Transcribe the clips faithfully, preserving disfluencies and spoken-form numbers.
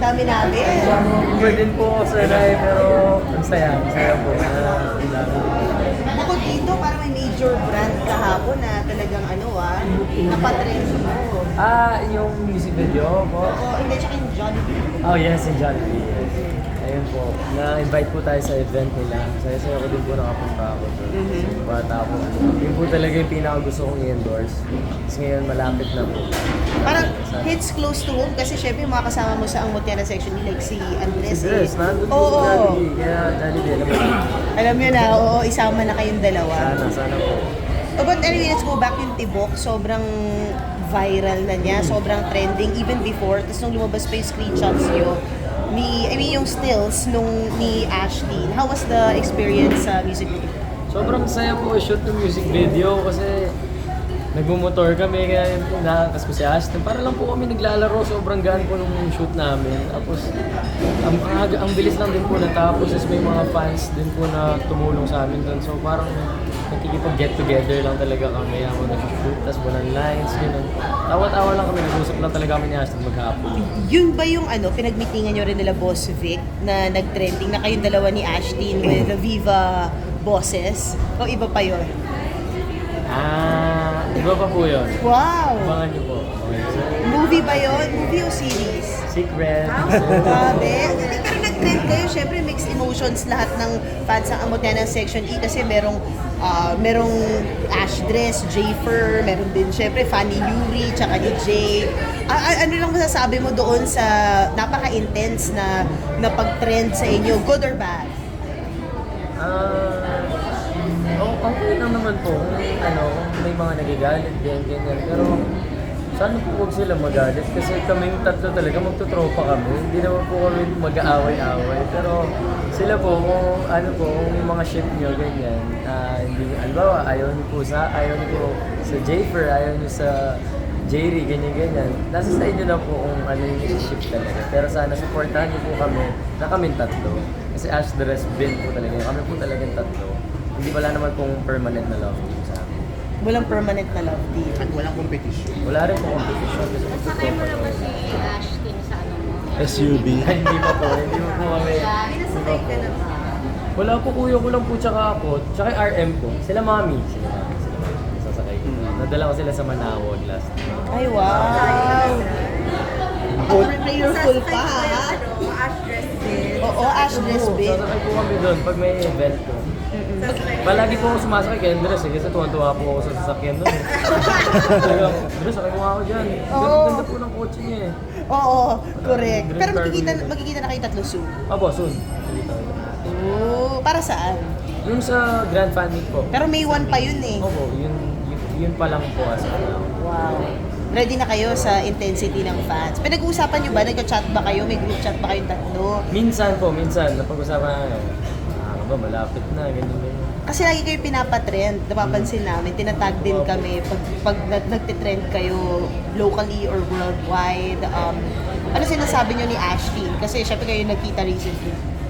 dami namin. Iba din po ako sanay, pero ang saya, ang saya po. Na, Bukod dito, parang may major brand kahapon na talagang ano ah, napatrend mo. ah, yung music video po. Oo, hindi, tsaka yung Jollibee. Oh yes, in Jollibee, yes. Ayun po, na-invite po tayo sa event nila. Saya-saya ko din po nakapunta ako doon. Mhm. Kasi bata po. Yun po talaga yung pinaka gusto kong i-endorse. Kasi ngayon malapit na po. Parang hits close to home kasi syempre yung mga kasama mo sa ang Mutiara section like si Andres. Si Dress, nandun po Oo, sa oo. Jollibee. Kaya Jollibee, alam mo na. Alam nyo na, oo, isama na kayong dalawa. Sana, sana po. Oh, but anyway, let's go back yung Tibok. Sobrang viral na niya, sobrang trending even before. Tapos nung lumabas pa yung screenshots nyo, ni, I mean yung stills nung ni Ashley. How was the experience sa music video? Sobrang saya po i-shoot ng music video kasi nagmumotor kami kaya nakakas ko si Ashton. Para lang po kami naglalaro, sobrang gaan po nung shoot namin. Tapos ang, ang, ang bilis lang din po natapos. Tapos may mga fans din po na tumulong sa amin doon. So parang nakikipag-get together lang talaga kami habang nag-shoot. Tapos walang lines, gano'n. Tawa-tawa lang kami, nag-usap lang talaga kami ni Ashton maghapon. Yun ba yung ano, pinagmitingan nyo rin nila Boss Vic na nag-trending na kayong dalawa ni Ashton with the Viva Bosses? O iba pa yun? Ah, iba pa po yun. Wow! Abangan niyo po. Okay, so, Movie ba yun? Movie o series? Secret. Grabe. Hindi ka rin nag-trend kayo. Siyempre, mixed emotions lahat ng fans ng Amotena Section E kasi merong ah, merong Ash Dress, Jayfer, meron din siyempre Fanny Yuri, tsaka ni Jay. Ah, ah, ano lang masasabi mo doon sa napaka-intense na, na pag-trend sa inyo? Good or bad? Ah, oh, okay lang naman po. Kung ano, kung may mga nagagalit, ganyan, ganyan. Pero sana po huwag sila magalit kasi kaming tatlo talaga magtutropa kami. Hindi naman po kami mag-aaway-away. Pero sila po, kung ano po, kung yung mga ship nyo, ganyan, ah, hindi, albawa, ayaw niyo po sa, ayaw niyo po sa Jayfer, ayaw niyo sa Jerry, ganyan-ganyan. Nasa sa inyo na po kung ano yung ship talaga. Pero sana supportahan niyo po kami na kaming tatlo. Kasi Ash the Rest bin po talaga. Kami po talagang tatlo. Hindi wala naman pong permanent na love team sa amin. Walang permanent na love team. At walang competition. Wala rin po competition kasi Sakay mo na ba si Ashton sa ano mo? S U V. Hindi pa po, hindi pa po kami. Pinasakay ka na ba? Wala po, kuya ko lang po tsaka ako, tsaka yung R M ko. Sila mami. Sila mami, sila mami. Sasakay ko. Nadala ko sila sa Manawag last time. Ay, wow! Ako prayerful pa, ha? Ano, Ash dress din. Oo, Ash Dress Oo, bin. sasakay po kami doon pag may event po. Palagi po ako sumasakay kay Andres eh, kasi tuwan-tuwa po ako sa sasakyan doon eh. Talagang, Andres, sakay mo nga ako dyan. Ganda, Oo. ganda po ng kotse niya eh. Oo, correct. Green Pero car magkikita, window. magkikita na kayo tatlo soon. Opo, soon. Nakikita ko. Oo, para saan? Yung sa Grand Fan Meet po. Pero May one pa yun eh. Opo, yun, yun, yun pa lang po as of now. Wow. Ready na kayo sa intensity ng fans. Pinag-uusapan nyo ba? Nagka-chat ba kayo? May group chat ba kayong tatlo? Minsan po, minsan, napag-usapan na, ah, ba, malapit na, ganyan, ganyan. Kasi lagi kayo pinapatrend. Napapansin namin. Tinatag din kami pag, pag nag- nagtitrend kayo locally or worldwide. Um, ano sinasabi nyo ni Ashley? Kasi syempre kayo nagkita recently.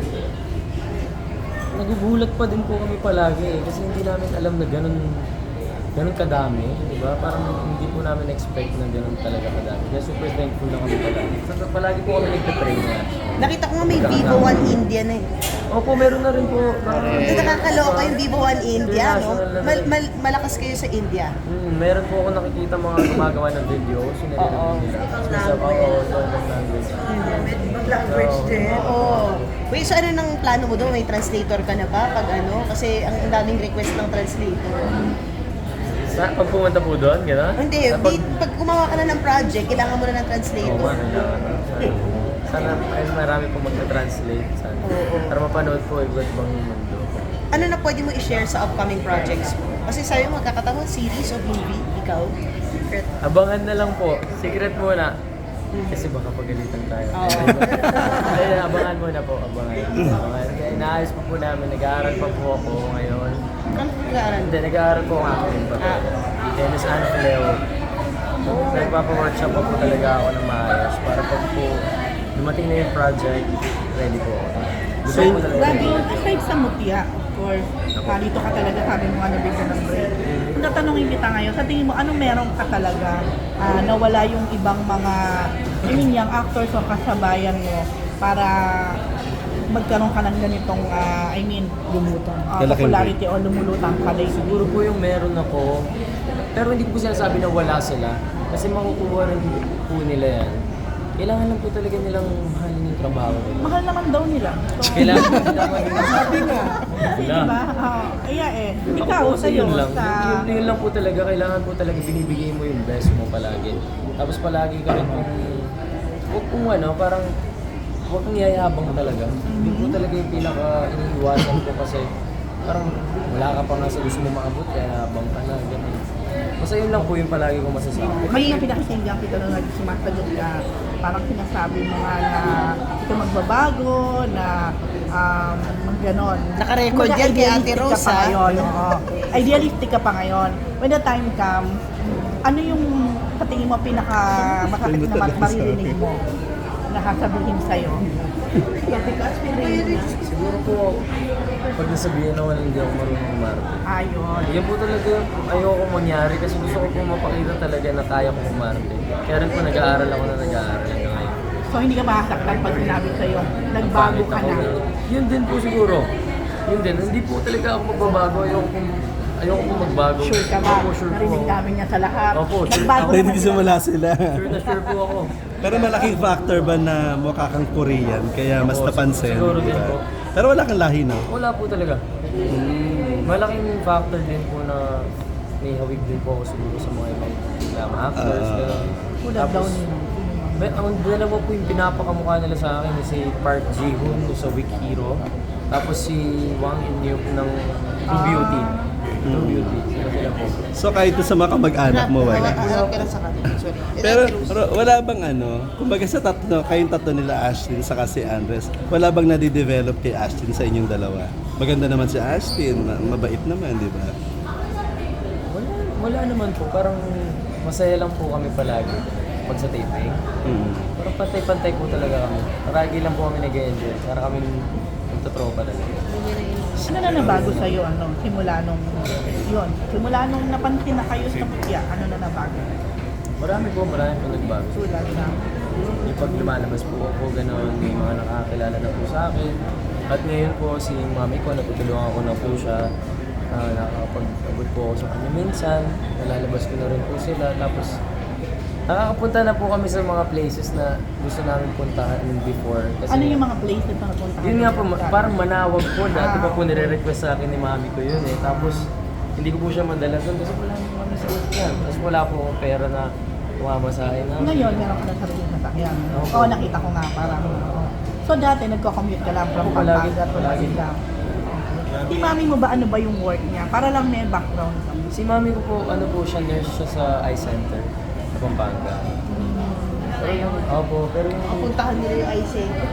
Nagugulat pa din po kami palagi eh, kasi hindi namin alam na ganun, ganun kadami, di ba? Parang hindi po namin expect na ganun talaga kadami. Kaya super thankful na kami palagi. So, palagi po kami nagpe-pray na. Nakita ko nga may Vivo One India na eh. Opo, meron na rin po. Ito nakakaloka yung Vivo One India, no? International na Mal- rin. mal- malakas kayo sa India. Hmm, meron po ako nakikita mga gumagawa ng video. Sinili Oo. nila. Sa oo, sa language. Mag-language din. Oo. Wait, so ano nang plano mo doon? May translator ka na ba? Pag ano? Kasi ang ang daming request ng translator. Sa, pag pumunta po doon, gano'n? Hindi, Sa di, pag gumawa ka na ng project, kailangan mo na ng Oo, translator. man, kailangan. Sana, ay, marami po magta-translate. Sana. Oo. Para mapanood po iba't ibang mundo. Ano na pwede mo i-share sa upcoming projects mo? Kasi sabi mo, magkakataon series o movie, ikaw? Secret. Abangan na lang po. Secret muna. Kasi baka pagalitan tayo. Oo. Ayun, abangan muna po. Abangan. Abangan. Kaya inaayos pa po namin. Nag-aaral pa po ako ngayon. Ano pag-aaral? Hindi, nag-aaral po ako ngayon. Ah. Dennis Anfleo. Nagpapa-workshop pa po talaga ako ng maayos. Para pag po dumating na yung project, ready po ako. Gusto So, ko po talaga. Gabi, aside sa mutya, of course, ah, dito ka talaga, sabi mo nga nabigyan ng break. Kung tatanungin kita ngayon, sa tingin mo, anong meron ka talaga ah, na wala yung ibang mga I mean, yung actors o kasabayan mo para magkaroon ka ng ganitong, ah, I mean, lumutang. Uh, Kalaking popularity o lumulutang ka din. Siguro po yung meron ako, pero hindi ko po sinasabi na wala sila. Kasi makukuha rin po nila yan. Kailangan lang po talaga nilang mahalin yung trabaho nila. Mahal naman daw nila. So, Kailangan po nila mahalin. Sabi nga. kasi Wala. diba? Uh, kaya eh, Ako ikaw po, sa'yo, yun lang. sa... Yun, yun lang po talaga. Kailangan po talaga binibigay mo yung best mo palagi. Tapos palagi ka rin kung... Huwag kung ano, parang... Huwag kang yayabang talaga. Yun po talaga yung pinaka iniiwasan ko kasi parang wala ka pa nga sa gusto mo maabot, kaya yabang ka na, ganun. Basta yun lang po yung palagi ko masasabi. May nga pinakisinggan kita nung nagsumasagot ka, parang sinasabi mo nga na ito magbabago, na um, mga ganon. Naka-record Kumbaga, yan kay Ate idealistic ka Rose, pa ha? ngayon, oo. Idealistic ka pa ngayon. When the time comes, ano yung sa tingin mo pinaka masakit na mat- maririnig mo na sasabihin sa'yo? Siguro po, pag nasabihan ako na hindi ako marunong umarte. Ayun. Yan po talaga yung ayoko mangyari kasi gusto ko po mapakita talaga na kaya ko umarte. Kaya rin po nag-aaral ako na nag-aaral hanggang ngayon. So hindi ka masaktan pag sinabi sa'yo, nagbago Pangit ka ako na. na. Yun din po siguro. Yun din. Hindi po talaga ako magbabago. Ayoko po, ayoko po magbago. Sure ka ba? Opo, sure po Narinig ako. namin niya sa lahat. Opo, sure. Nagbago Ako Hindi naman kasi siya. wala sila. Sure na sure po ako. Pero malaking factor ba na mukha kang Korean kaya mas Oo, napansin? siguro din diba? po. Pero wala kang lahi na. Wala po talaga. Malaking factor din po na may hawig din po ako siguro sa mga ibang um, actors. Ah. gano'n. Kulab daw nila. May, ang dalawa po yung pinapakamukha nila sa akin si Park Ji-hoon sa Weak Hero. Tapos si Wang In-hyuk ng True Beauty. True Beauty. Sila sila po. So kahit sa mga kamag-anak mo, wala. Wala ka na sa kanila. Sorry. Pero ro- wala bang ano, kumbaga sa tatlo, kayong tatlo nila Ashlyn saka si Andres, wala bang nadidevelop kay Ashlyn sa inyong dalawa? Maganda naman si Ashlyn, ma- mabait naman, di ba? Wala, wala naman po. Parang masaya lang po kami palagi pag sa taping. Mm. Parang pantay-pantay po talaga kami. Paragi lang po kami nag-enjoy. Para kami magtotropa talaga. Ano na nabago sa'yo, ano, simula nung, yun, simula nung napansin na kayo sa Putya, ano na nabago? Marami po, marami po nagbago. Tulad na, Yung pag lumalabas po ako, gano'n, may mga nakakilala na po sa akin. At ngayon po, si mami ko, natutulungan ko na po siya. Uh, nakakapag-abot po ako sa kanya minsan. Nalalabas ko na rin po sila. Tapos, nakakapunta na po kami sa mga places na gusto namin puntahan before. Kasi, ano yung mga places na napunta yun nga po, ma- parang manawag po. Dati pa po Ah, okay. nire-request sa akin ni mami ko yun eh. Tapos, hindi ko po siya madala doon kasi wala naman kami sa yan. Tapos wala po akong pera na tumama sa akin. Ngayon, meron ka na sarili na sakyan. Opo. Oo, nakita ko nga, parang, oo. So dati, nagko-commute ka lang from Opo, palagi, Pampanga to palagi. Manila. Si mami mo ba, ano ba yung work niya? Para lang may background ka. Si mami ko po, ano po siya, nurse siya sa eye center sa Pampanga. Pero yung, opo, pero yung, Puntahan nila yung I C.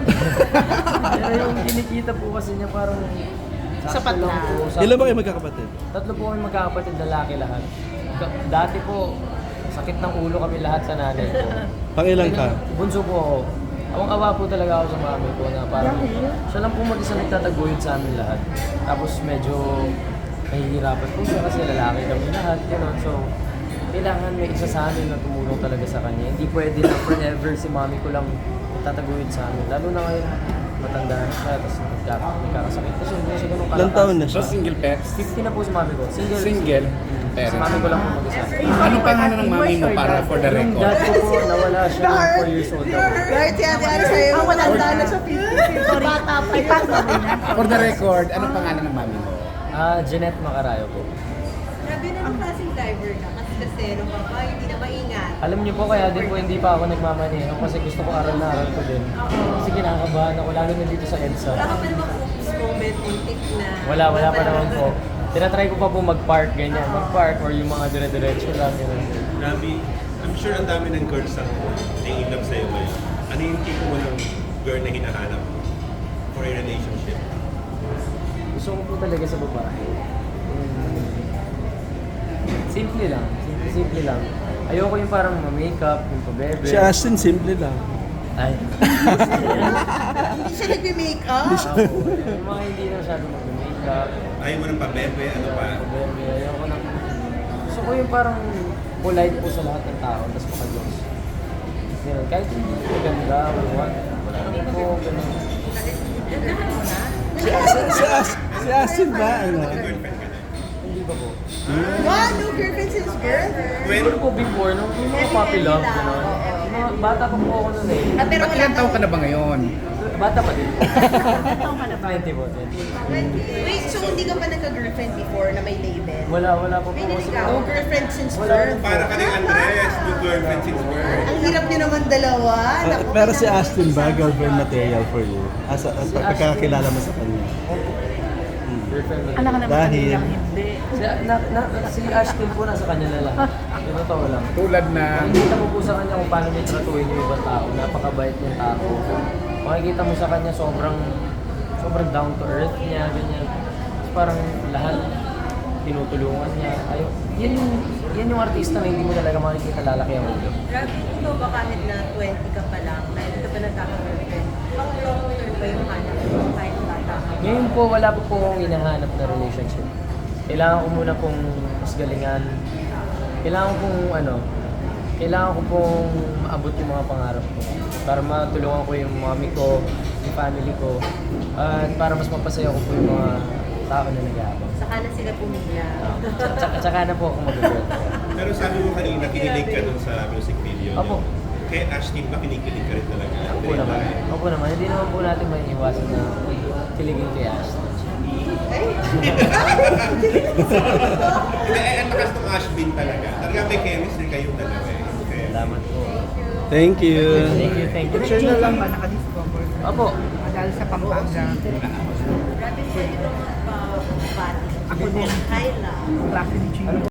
pero yung kinikita po kasi niya parang Sapat sakto lang na. po. sakto. Ilan ba kayo magkakapatid? Tatlo po kami magkakapatid, lalaki lahat. Ka- Dati po, sakit ng ulo kami lahat sa nanay ko. Pangilan ka? Bunso po ako. Awang-awa po talaga ako sa mami ko na parang siya lang po mag-isa nagtataguyod sa amin lahat. Tapos medyo nahihirapan po siya kasi lalaki kami lahat. Gano'n. So, kailangan may isa sa amin na tumulong talaga sa kanya. Hindi pwede na forever si mami ko lang tataguyod sa amin. Lalo na ngayon, matanda na siya, tapos nagka- nagkakasakit. Kasi hindi siya ganun Ilang taon na So, siya? single parents? fifty na po si mami ko. Single. Single Si parents. mami ko lang po mag-isa. Anong pangalan ng mami mo para for the Yung record? dad ko po, nawala siya ng four years old ako. Kahit si Ate Ari sa'yo, Ah, wala matanda na. na sa fifty. Bata pa yun. Ipas na rin yan. For the record, anong pangalan ng mami mo? Ah, Jeanette Macarayo po. Grabe na ang klaseng driver ka. Kasi kasero ka pa, hindi na maingat. Alam niyo po kaya din po hindi pa ako nagmamaneho kasi gusto ko aral na aral ko din. Kasi kinakabahan ako lalo na dito sa EDSA. Wala ka pa naman focus moment, muntik na. Wala, wala pa naman po. Tinatry ko pa po mag-park ganyan. Mag-park or yung mga dire-diretso lang. Ganun. Grabe, I'm sure ang dami ng girls ang nai-love sa'yo ngayon. Ano yung tipo mo ng girl na hinahanap for a relationship? Gusto ko po talaga sa babae. Mm, simple lang. Simple, simple lang. Ayoko yung parang ma-makeup, yung pabebe. Si Ashlyn, simple lang. Ay. Hindi siya nagme-make up. Ako, yung mga hindi na masyado mag-makeup. Ayaw mo ng pabebe, ano pa? Pabebe, ayoko na. Gusto ko yung parang polite po sa lahat ng tao, tapos makajokes. Ganun. Kahit hindi maganda, wala. Wala naman po, ganun. Ganahan mo na? Si, si, si, As- si Astin ba, ano? Girlfriend ka na. Hindi ba po? Wow, no girlfriend since birth? Siguro po before, nung yung mga puppy love, gano'n. Yung mga bata pa po ako nun eh. Ah, pero Ba't wala ilang taon ka na ba ngayon? Bata pa din. Taong ka na ba? twenty po, twenty. Wait, so hindi ka pa nagka-girlfriend before na may label? Wala, wala pa po kasi. No girlfriend since Wala birth? rin po. Para ka rin Andres, no girlfriend since birth. Ang hirap niyo naman dalawa. Ah, Naku, pero si kailangan- Astin ba, girlfriend material for you? As, as Si pagkakakilala mo sa kanya. Girlfriend ba? Alam ka naman Dahil- kanilang hindi. Si, na, na, si Ashton po nasa kanya na lang. Yung totoo lang. Tulad na, Makikita mo po sa kanya kung paano niya tratuhin yung ibang tao. Napakabait niyang tao. Makikita mo sa kanya sobrang sobrang down to earth niya, ganyan. Parang lahat tinutulungan niya. Ayo, yan yung yan yung artista na hindi mo talaga makikita lalaki ang ulo. Grabe, ikaw ba kahit na twenty ka pa lang, na hindi ka pa nagkaka-girlfriend, pang long term ba yung hanap mo kahit bata ka? Ngayon po, wala po po akong hinahanap na relationship. Kailangan ko muna pong mas galingan. Kailangan ko pong ano, kailangan ko pong maabot yung mga pangarap ko. Para matulungan ko yung mami ko, yung family ko, at para mas mapasaya ko po yung mga tao na nag-aabang. Saka na sila pumila. Tsaka, tsaka na po ako mag-girl. Pero sabi mo kanina, kinilig ka dun sa music video niyo. Opo. Kaya Ashtin ba kinikilig ka rin talaga? Opo naman. Opo naman. Hindi naman po natin may iwasan na kiligin kay Ashton. Hindi, eh, ang lakas ng Ashbin talaga. Talaga may chemistry kayong dalawa eh. Okay. Salamat po. Thank you. Thank you, thank you. Picture na lang ba nakadiscover? Opo. Dahil sa Pampanga. Grabe, pwede ba magpa-bati? Ako din. Kyla. Klase ni Gio.